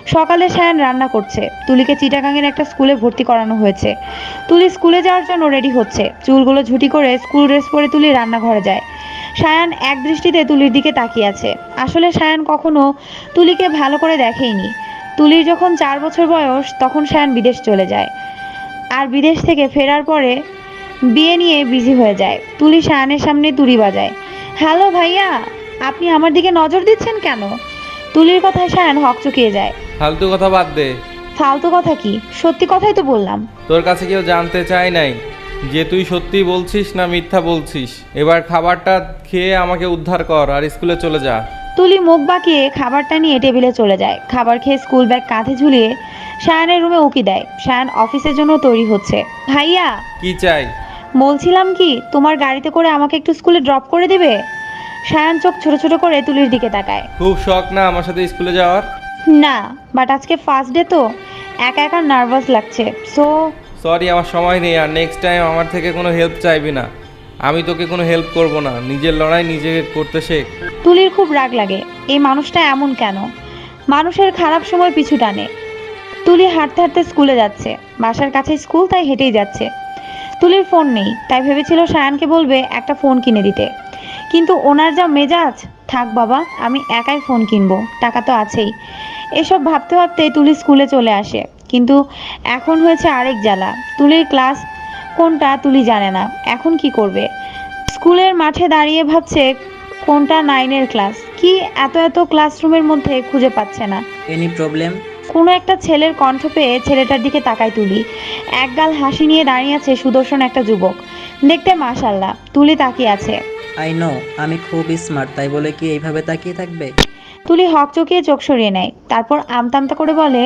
সকালে সায়ান রান্না করছে। তুলিকে চিটাগাংয়ের একটা স্কুলে ভর্তি করানো হয়েছে। তুলি স্কুলে যাওয়ার জন্য রেডি হচ্ছে। চুলগুলো ঝুটি করে স্কুল ড্রেস পরে তুলি রান্নাঘরে যায়। সায়ান এক দৃষ্টিতে তুলির দিকে তাকিয়ে আছে। আসলে সায়ান কখনো তুলিকে ভালো করে দেখেইনি। তুলির যখন 4 বছর বয়স তখন সায়ান বিদেশ চলে যায়, আর বিদেশ থেকে ফেরার পরে বিয়ে নিয়ে বিজি হয়ে যায়। তুলি সায়ানের সামনে তুড়ি বাজায়। হ্যালো ভাইয়া, আপনি আমার দিকে নজর দিচ্ছেন কেন? তুলির কথায় সায়ান হকচকিয়ে যায়। ফালতু কথা বাদ দে। ফালতু কথা কি? সত্যি কথাই তো বললাম। তোর কাছে কেউ জানতে চায় নাই যে তুই সত্যি বলছিস না মিথ্যা বলছিস। এবার খাবারটা খেয়ে আমাকে উদ্ধার কর আর স্কুলে চলে যা। তুলি মুখ বাঁকিয়ে খাবারটা নিয়ে টেবিলে চলে যায়। খাবার খেয়ে স্কুল ব্যাগ কাঁধে ঝুলিয়ে সায়ানের রুমে উকি দেয়। সায়ান অফিসের জন্য তৈরি হচ্ছে। ভাইয়া, কি চাই? বলছিলাম কি, তোমার গাড়িতে করে আমাকে একটু স্কুলে ড্রপ করে দিবে? সায়ান চোখ ছোট ছোট করে তুলির দিকে তাকায়। খুব শখ না আমার সাথে স্কুলে যাওয়ার? না, বাট আজকে ফার্স্ট ডে তো একা একা নার্ভাস লাগছে। সো সরি, আমার সময় নেই। আর নেক্সট টাইম আমার থেকে কোনো হেল্প চাইবি না। আমি তোকে কোনো হেল্প করব না। নিজের লড়াই নিজে করতে শেখ। তুলির খুব রাগ লাগে। এই মানুষটা এমন কেন? মানুষের খারাপ সময় পিছু টানে। তুলি হাঁটতে হাঁটতে স্কুলে যাচ্ছে। বাসার কাছে স্কুল, তাই হেঁটেই যাচ্ছে। তুলির ফোন নেই, তাই ভেবেছিল সায়ানকে বলবে একটা ফোন কিনে দিতে, কিন্তু ওনার যা মেজাজ। থাক বাবা, আমি একাই ফোন কিনবো, টাকা তো আছেই। এসব ভাবতে ভাবতে তুলি স্কুলে চলে আসে। কিন্তু এখন হয়েছে আরেক জ্বালা। তুলির ক্লাস কোনটা তুলি জানে না। এখন কি করবে? স্কুলের মাঠে দাঁড়িয়ে ভাবছে কোনটা 9-এর ক্লাস। কি এত এত ক্লাসরুমের মধ্যে খুঁজে পাচ্ছে না। Any problem? কোনো একটা ছেলের কণ্ঠ পেয়ে ছেলেটার দিকে তাকায় তুলি। একগাল হাসি নিয়ে দাঁড়িয়ে আছে সুদর্শন একটা যুবক। দেখতে মাশাআল্লাহ। তুলি তাকিয়ে আছে। আই নো আমি খুব স্মার্ট, তাই বলে কি এইভাবে তাকিয়ে থাকবে? তুলি হকচকিয়ে চোখ সরিয়ে নেয়। তারপর আমতা আমতা করে বলে,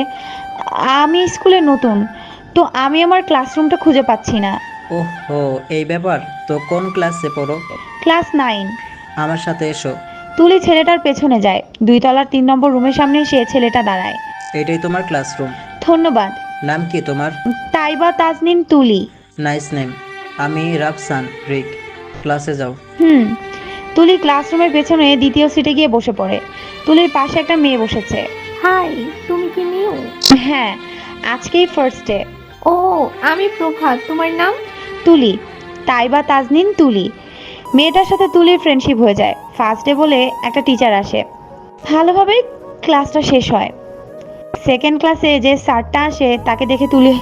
আমি স্কুলে নতুন, তো আমি আমার ক্লাসরুমটা খুঁজে পাচ্ছি না। ওহো, এই ব্যাপার। তো কোন ক্লাসে পড়ো? ক্লাস 9। আমার সাথে এসো। তুলি ছেলেটার পেছনে যায়। 2 তলার 3 নম্বর রুমের সামনে এসে ছেলেটা দাঁড়ায়। এটাই তোমার ক্লাসরুম? ধন্যবাদ। নাম কি তোমার? তাইবা তাজনিন তুলি। Nice name. আমি রাফসান রিক। ক্লাসে যাও। তুলি ক্লাসরুমের পেছনে দ্বিতীয় সিটে গিয়ে বসে পড়ে। তুলির পাশে একটা মেয়ে বসেছে। হাই, তুমি কি নিউ? হ্যাঁ, আজকেই ফার্স্ট ডে। ও, আমি প্রভাত। তোমার নাম? তুলি। তাইবা তাজনিন তুলি। মেয়েটার সাথে তুলির ফ্রেন্ডশিপ হয়ে যায়। ফার্স্ট ডে বলে একটা টিচার আসে। ভালোভাবেই ক্লাসটা শেষ হয়। সেকেন্ড ক্লাসে যে স্যারটা আসে তাকে দেখে তুলি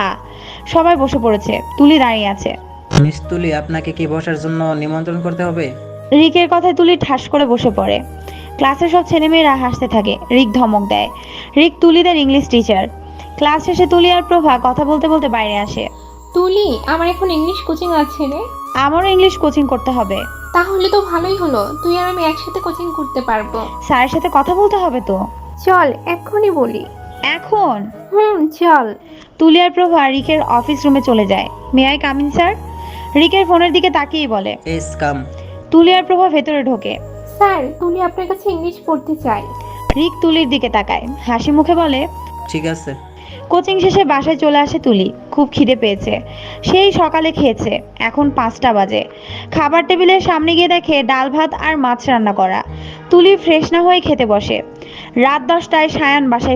সবাই বসে পড়েছে। তুলি দাঁড়িয়ে আছে। মিস তুলি, আপনাকে কি বসার জন্য নিমন্ত্রণ করতে হবে? রিকের কথায় তুলি ঠাস করে বসে পড়ে। ক্লাসের সব ছেলেমেয়েরা হাসতে থাকে। রিক ধমক দেয়। রিক তুলিদের ইংলিশ টিচার। ক্লাস শেষে তুলি আর প্রভা কথা বলতে বলতে বাইরে আসে। তুলি, আমার এখন ইংলিশ কোচিং আছে রে। আমারও ইংলিশ কোচিং করতে হবে। তাহলে তো ভালোই হলো, তুই আর আমি একসাথে কোচিং করতে পারবো। স্যারের সাথে কথা বলতে হবে তো। চল এক্ষুনি বলি। এখন? চল। তুলি আর প্রভা রিকের অফিস রুমে চলে যায়। May I come in sir? রিকের ফোনের দিকে তাকিয়েই বলে। Yes come. তুলি আর প্রভা ভেতরে ঢোকে। স্যার, তুলি আপনার কাছে ইংলিশ পড়তে চাই। রিক তুলির দিকে তাকায়, হাসি মুখে বলে, ঠিক আছে। কোচিং শেষে বাসায় চলে আসে তুলি। খুব খিদে পেয়েছে। সেই সকালে খেয়েছে। এখন 5টা বাজে। খাবার টেবিলের সামনে গিয়ে দেখে ডাল ভাত আর মাছ রান্না করা। তুলি ফ্রেশ না হয়ে খেতে বসে। রাত 10টায় সায়ান বাসায়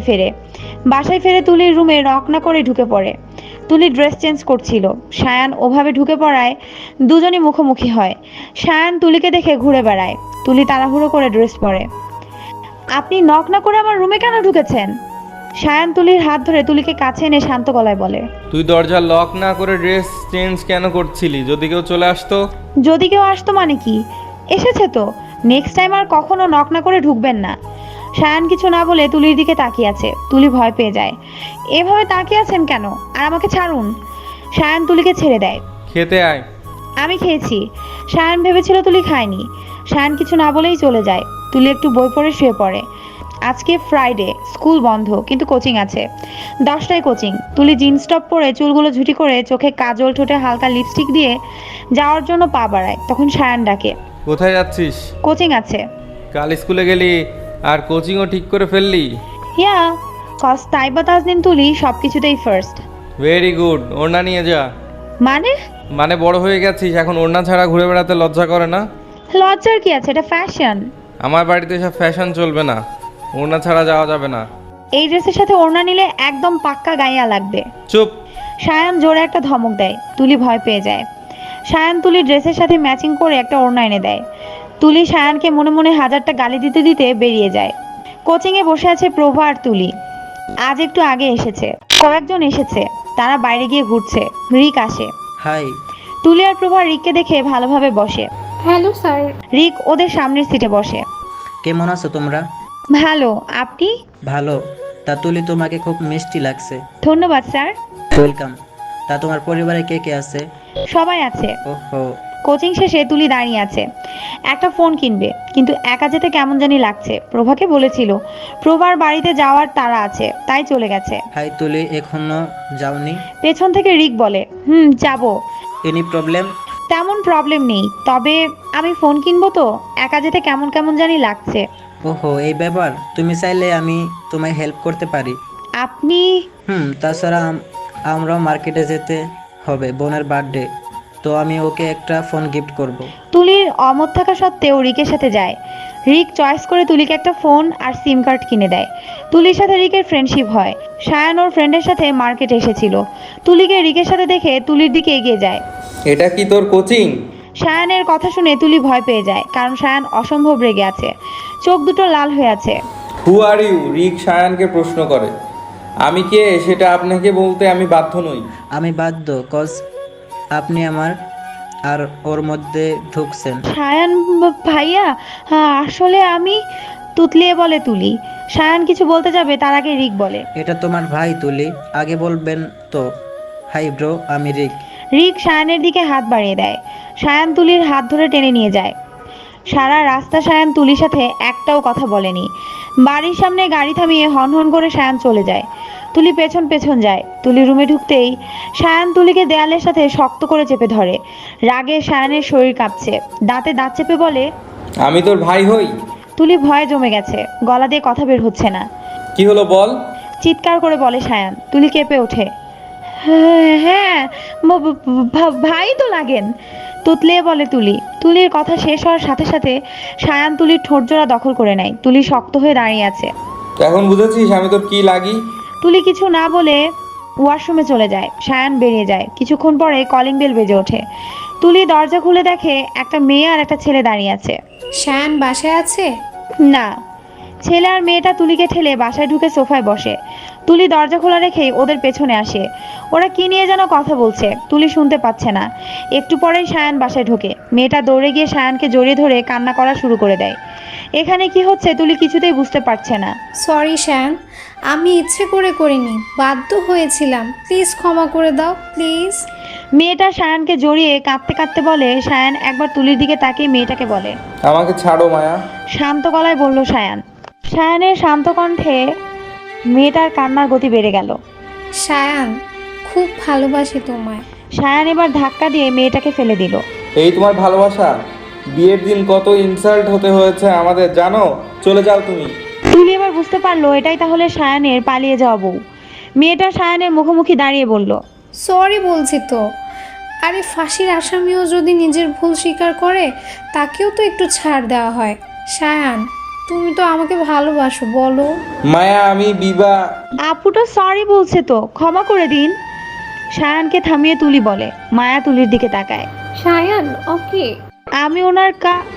ফেরে তুলির রুমে রক না করে ঢুকে পড়ে। তুলি ড্রেস চেঞ্জ করছিল। সায়ান ওভাবে ঢুকে পড়ায় দুজনই মুখোমুখি হয়। সায়ান তুলিকে দেখে ঘুরে বেড়ায়। তুলি তাড়াহুড়ো করে ড্রেস পরে। আপনি নক না করে আমার রুমে কেন ঢুকেছেন? সায়ান তুলির হাত ধরে তুলিকে কাছে এনে শান্ত গলায় বলে। তুই দরজা লক না করে ড্রেস চেঞ্জ কেন করছিলি? যদি কেউ চলে আসতো? যদি কেউ আসতো মানে কি? এসেছে তো। নেক্সট টাইম আর কখনো নক না করে ঢুকবেন না। সায়ান কিছু না বলে তুলির দিকে তাকিয়ে আছে। তুলি ভয় পেয়ে যায়। এভাবে তাকিয়ে আছেন কেন? আর আমাকে ছাড়ুন। সায়ান তুলিকে ছেড়ে দেয়। খেতে আয়। আমি খেয়েছি। সায়ান ভেবেছিল তুলি খায়নি। সায়ান কিছু না বলেই চলে যায়। তুলি একটু বই পড়ে শুয়ে পড়ে। আজকে ফ্রাইডে, স্কুল বন্ধ, কিন্তু কোচিং আছে। 10টায় কোচিং। তুলি জিন্স টপ পরে চুলগুলো ঝুটি করে চোখে কাজল, ঠোঁটে হালকা লিপস্টিক দিয়ে যাওয়ার জন্য পা বাড়ায়। তখন সায়ান ডাকে। কোথায় যাচ্ছিস? কোচিং আছে। কাল স্কুলে গেলি আর কোচিংও ঠিক করে ফেললি? ইয়া, কজ তাইবা তাজনিন তুলি সবকিছুতেই ফার্স্ট। Very good. ওড়না নিয়ে যা। মানে বড় হয়ে গেছিস, এখন ওড়না ছাড়া ঘুরে বেড়াতে লজ্জা করে না? লজ্জার কি আছে? এটা ফ্যাশন। আমার বাড়িতে সব ফ্যাশন চলবে না। ওড়না ছাড়া যাওয়া যাবে না। এই ড্রেসের সাথে ওড়না নিলে একদম পাক্কা গাইয়া লাগবে। চুপ। সায়ান জোরে একটা ধমক দেয়, তুলি ভয় পেয়ে যায়। সায়ান তুলির ড্রেসের সাথে ম্যাচিং করে একটা ওড়না এনে দেয়। তুলি সায়ানকে মনে মনে হাজারটা গালি দিতে দিতে বেরিয়ে যায়। কোচিংয়ে বসে আছে প্রভা আর তুলি। আজ একটু আগে এসেছে, কয়েকজন এসেছে, তারা বাইরে গিয়ে ঘুরছে। রিক আসে। হাই। তুলি আর প্রভা রিককে দেখে ভালোভাবে বসে। Hello sir. রিক ওদের সামনের সিটে বসে। কেমন আছো তোমরা? ভালো, আপনি? ভালো। তা তুলি, তোমাকে খুব মিষ্টি লাগছে। ধন্যবাদ স্যার। ওয়েলকাম। তা তোমার পরিবারে কে কে আছে? সবাই আছে। ওহো। কোচিং শেষে তুলি দাঁড়িয়ে আছে, একটা ফোন কিনবে, কিন্তু একা যেতে কেমন জানি লাগছে। প্রভাকে বলেছিল প্রভার বাড়িতে যাওয়ার তাড়া আছে, তাই চলে গেছে। হাই তুলি, এখনো যাওনি? পেছন থেকে রিক বলে, যাবো। Any problem? তেমন প্রবলেম নেই, তবে আমি ফোন কিনবো তো, একা যেতে কেমন কেমন জানি লাগছে। ওহো, এই ব্যাপার। তুমি চাইলে আমি তোমায় হেল্প করতে পারি। আপনি? তাছাড়া আমরাও মার্কেটে যেতে হবে, বোনের বার্থডে, তো আমি ওকে একটা ফোন গিফট করব। তুলির অমত থাকা সত্ত্বেও রিকের সাথে যায়। রিক চয়েস করে তুলিকে একটা ফোন আর সিম কার্ড কিনে দেয়। তুলির সাথে রিকের ফ্রেন্ডশিপ হয়। সায়ান ওর ফ্রেন্ডের সাথে মার্কেটে এসেছিল। তুলিকে রিকের সাথে দেখে তুলির দিকে এগিয়ে যায়। এটা কি তোর কোচিং? সায়ানের কথা শুনে তুলি ভয় পেয়ে যায়, কারণ সায়ান অসম্ভব রেগে আছে, চোখ দুটো লাল হয়ে আছে। হু আর ইউ? রিক সায়ানকে প্রশ্ন করে। আমি কে সেটা আপনাকে বলতে আমি বাধ্য নই। আমি বাধ্য, কজ আপনি আমার আর ওর মধ্যে ঢুকছেন। সায়ান ভাইয়া, আসলে আমি, তুতলিয়ে বলে তুলি। সায়ান কিছু বলতে যাবে তার আগে রিক বলে, এটা তোমার ভাই তুলি, আগে বলবেন তো। হাই ব্রো, আমি রিক। রিক সায়ানের দিকে হাত বাড়িয়ে দেয়। সায়ান তুলির হাত ধরে টেনে নিয়ে যায়। সারা রাস্তা সায়ান তুলির সাথে একটাও কথা বলেনি। বাড়ির সামনে গাড়ি থামিয়ে হন হন করে সায়ান চলে যায়। তুলি পেছন পেছন যায়। তুলি রুমে ঢুকতেই সায়ান তুলিকে দেয়ালের সাথে শক্ত করে চেপে ধরে। রাগে সায়ানের শরীর কাঁপছে, দাঁতে দাঁত চেপে বলে, আমি তোর ভাই হই? তুলি ভয়ে জমে গেছে, গলা দিয়ে কথা বের হচ্ছে না। কি হলো বল। চিৎকার করে বলে সায়ান। তুলি কেঁপে ওঠে। হ্যাঁ, ভাই তো লাগেন, তুতলিয়ে বলে তুলি। তুলির কথা শেষ হওয়ার সাথে সাথে সায়ান তুলির ঠোঁট জোড়া দখল করে নেয়। তুলি শক্ত হয়ে দাঁড়িয়ে আছে। এখন বুঝেছিস আমি তোর কি লাগি? তুলি কিছু না বলে ওয়াশরুমে চলে যায়। সায়ান বেরিয়ে যায়। কিছুক্ষণ পরে কলিং বেল বেজে ওঠে। তুলি দরজা খুলে দেখে একটা মেয়ে আর একটা ছেলে দাঁড়িয়ে আছে। শায়ান বাসায় আছে? না, ছেলে আর মেয়েটা তুলিকে ঠেলে বাসায় ঢুকে সোফায় বসে। তুলি দরজা খোলা রেখেই ওদের পেছনে আসে। ওরা কি নিয়ে যেন কথা বলছে, তুলি শুনতে পাচ্ছে না। একটু পরেই সায়ান বাসায় ঢোকে। মেয়েটা দৌড়ে গিয়ে সায়ানকে জড়িয়ে ধরে কান্না করা শুরু করে দেয়। এখানে কি হচ্ছে তুলি কিছুতেই বুঝতে পারছে না। সরি শায়ান, আমি ইচ্ছে করে করিনি, বাধ্য হয়েছিলাম, প্লিজ ক্ষমা করে দাও প্লিজ। মেয়েটা সায়ানকে জড়িয়ে কাঁদতে কাঁদতে বলে। সায়ান একবার তুলির দিকে তাকিয়ে মেয়েটাকে বলে, আমাকে ছাড়ো মায়া। শান্ত গলায় বলল সায়ান। সায়ানের শান্ত কণ্ঠে মেয়েটার কান্নার গতি বেড়ে গেল। শায়ান, খুব ভালোবাসি তোমায়। সায়ান এবার ধাক্কা দিয়ে মেয়েটাকে ফেলে দিল। এই তোমার ভালোবাসা? বিয়ের দিন কত ইনসাল্ট হতে হয়েছে আমাদের জানো? চলে যাও তুমি। তুলি এবার বুঝতে পারলো এটাই তাহলে সায়ানের পালিয়ে যাওয়া বউ। মেয়েটা সায়ানের মুখোমুখি দাঁড়িয়ে বলল, সরি বলছি তো। আরে ফাঁসির আসামিও যদি নিজের ভুল স্বীকার করে, তাকেও তো একটু ছাড় দেওয়া হয়। শায়ান, তুমি তো আমাকে ভালোবাসো, বলো। মায়া, আমি বিবাহ। আপুটা সরি বলছে তো, ক্ষমা করে দিন। সায়ানকে থামিয়ে তুলি বলে। মায়া তুলির দিকে তাকায়। শায়ান ওকে। আমি ওনার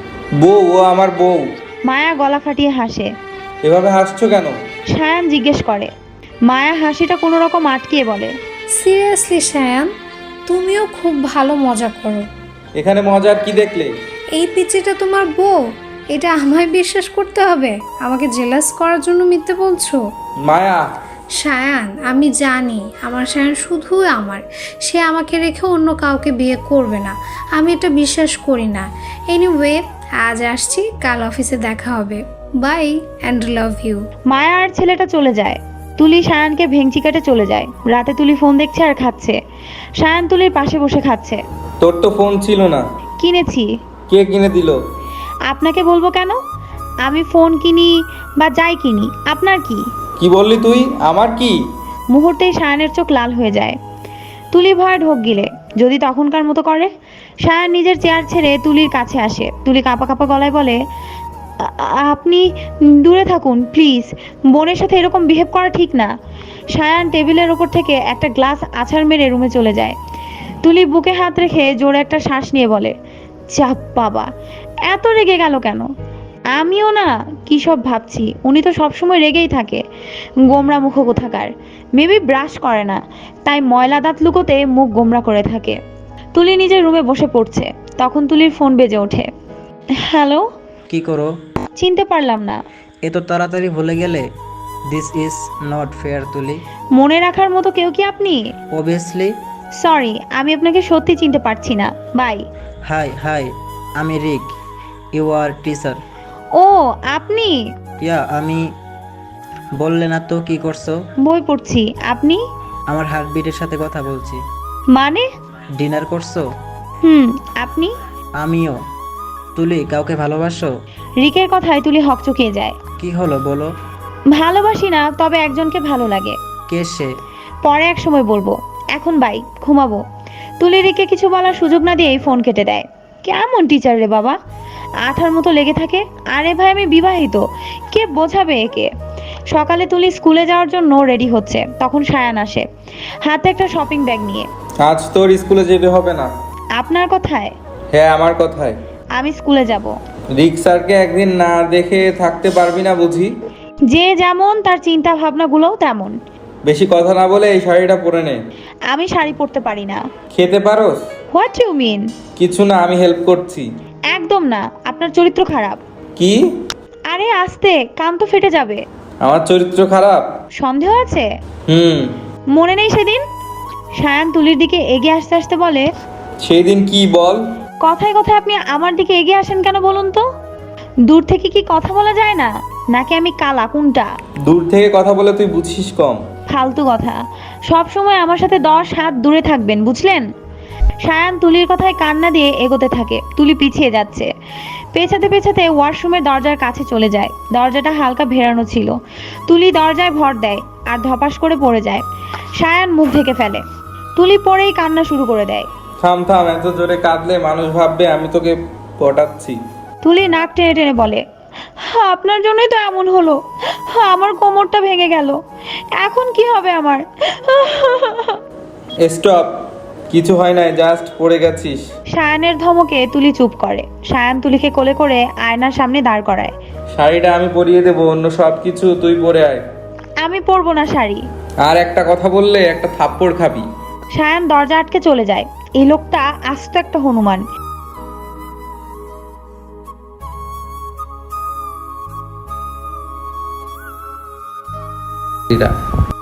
বউ, ও আমার বউ। মায়া গলা ফাটিয়ে হাসে। এভাবে হাসছো কেন? সায়ান জিজ্ঞেস করে। মায়া হাসিটা কোনো রকম আটকিয়ে বলে, সিরিয়াসলি শায়ান, তুমিও খুব ভালো মজা করো। এখানে মজার কি দেখলে? এই পিচিটা তোমার বউ? এটা আমায় বিশ্বাস করতে হবে? আমাকে জেলাস করার জন্য মিথ্যে বলছো? মায়া। শায়ান, আমি জানি আমার শায়ান শুধুই আমার, সে আমাকে রেখে অন্য কাউকে বিয়ে করবে না। আমি এটা বিশ্বাস করি না। এনিওয়ে, আজ আসছি, কাল অফিসে দেখা হবে। Bye and love you. Maya আর ছেলেটা চলে যায়। তুলি সায়ানকে ভেঙচি কেটে চলে যায়। রাতে তুলি ফোন দেখছে আর খাচ্ছে। সায়ান তুলির পাশে বসে খাচ্ছে। তোর তো ফোন ছিল না। কিনেছি। কে কিনে দিল? আপনাকে বলবো কেন? আমি ফোন কিনি বা যাই কিনি, আপনার কি? কি বললি তুই? আমার কি? মুহূর্তেই সায়ানের চোখ লাল হয়ে যায়। তুলি ভয়ে ঢোক গিলে, যদি তখনকার মতো করে। সায়ান নিজের চেয়ার ছেড়ে তুলির কাছে আসে। তুলি কাঁপা কাঁপা গলায় বলে, আপনি দূরে থাকুন প্লিজ। বোনের সাথে এরকম বিহেভ করা ঠিক না। সায়ান টেবিলের ওপর থেকে একটা গ্লাস আছাড় মেরে রুমে চলে যায়। তুলি বুকে হাত রেখে জোরে একটা শ্বাস নিয়ে বলে, চাপ বাবা, এত রেগে গেল কেন? আমিও না কি সব ভাবছি। উনি তো সবসময় রেগেই থাকে, গোমরা মুখ কোথাকার। মেবি ব্রাশ করে না, তাই ময়লা দাঁত লুকোতে মুখ গোমরা করে থাকে। তুলি নিজের রুমে বসে পড়ছে, তখন তুলির ফোন বেজে ওঠে। হ্যালো। কি করো? চিনতে পারলাম না। এত তাড়াতাড়ি ভুলে গেলে? দিস ইজ নট ফেয়ার তুলি। মনে রাখার মতো কেউ কি আপনি? অবভিয়াসলি। সরি, আমি আপনাকে সত্যি চিনতে পারছি না। বাই। হাই হাই, আমি রিক, ইউ আর টিচার। ও আপনি? ইয়া আমি। বললে না তো কি করছো? বই পড়ছি। আপনি? আমার হার্টবিটের সাথে কথা বলছি। মানে? ডিনার করছো? আপনি? আমিও। তুলি, কাউকে ভালোবাসো? রিকের কথায় তুলি হকচকিয়ে যায়। কি হলো বলো? ভালোবাসি না, তবে একজনকে ভালো লাগে। কে সে? পরে এক সময় বলবো, এখন বাই, ঘুমাবো। তুলি রিকে কিছু বলার সুযোগ না দিয়েই ফোন কেটে দেয়। কেমন টিচার রে বাবা, আঠার মতো লেগে থাকে। আরে ভাই আমি বিবাহিত, কে বোঝাবে একে? সকালে তুলি স্কুলে যাওয়ার জন্য রেডি হচ্ছে, তখন সায়ান আসে হাতে একটা শপিং ব্যাগ নিয়ে। আজ তোর স্কুলে যেতে হবে না। আপনার কথায়? হ্যাঁ, আমার কথায়। আমি স্কুলে যাব। রিক্সারকে একদিন না দেখে থাকতে পারবি না বুঝি? যে যেমন তার চিন্তা ভাবনাগুলোও তেমন। বেশি কথা না বলে এই শাড়িটা পরে নে। আমি শাড়ি পরতে পারি না। খেতে পারোস? What you mean? কিছু না, আমি হেল্প করছি। একদম না, আপনার চরিত্র খারাপ। কি? আরে আস্তে, কান তো ফেটে যাবে। আমার চরিত্র খারাপ? সন্দেহ আছে? হুম। মনে নেই সেদিন? সায়ান তুলির দিকে এগিয়ে আসতে আসতে বলে, সেই দিন কি বল? কথায় কথায় আপনি আমার দিকে এগিয়ে আসেন কেন বলুন তো? দূর থেকে কি কথা বলা যায় না? নাকি আমি কালা, কোনটা? দূর থেকে কথা বলে তুই বুঝিস কম। ফালতু কথা। সব সময় আমার সাথে 10 হাত দূরে থাকবেন, বুঝলেন? সায়ান তুলির কথায় কান্না দিয়ে এগোতে থাকে। তুলি পিছিয়ে যাচ্ছে। পেছাতে পেছাতে ওয়াশরুমের দরজার কাছে চলে যায়। দরজাটা হালকা ভেড়ানো ছিল। তুলি দরজায় ভর দেয় আর ধপাস করে পড়ে যায়। সায়ান মুখ ঢেকে ফেলে। তুলি পরেই কান্না শুরু করে দেয়। থাম থাম, এত জোরে কাঁদলে মানুষ ভাববে আমি তোকে পটাচ্ছি। তুলি নাক টেনে টেনে বলে, আপনার জন্যই তো এমন হলো। আমার কোমরটা ভেঙে গেল, এখন কি হবে আমার? স্টপ, কিছু হয় নাই, জাস্ট পড়ে গেছিস। সায়ানের ধমকে তুলি চুপ করে। সায়ান তুলিকে কোলে করে আয়নার সামনে দাঁড় করায়। শাড়িটা আমি পরিয়ে দেবো, অন্য সব কিছু তুই পরে আয়। আমি পরবো না শাড়ি। আর একটা কথা বললে একটা থাপ্পড় খাবি। সায়ান দরজা আটকে চলে যায়। এই লোকটা আস্ত একটা হনুমান। এটা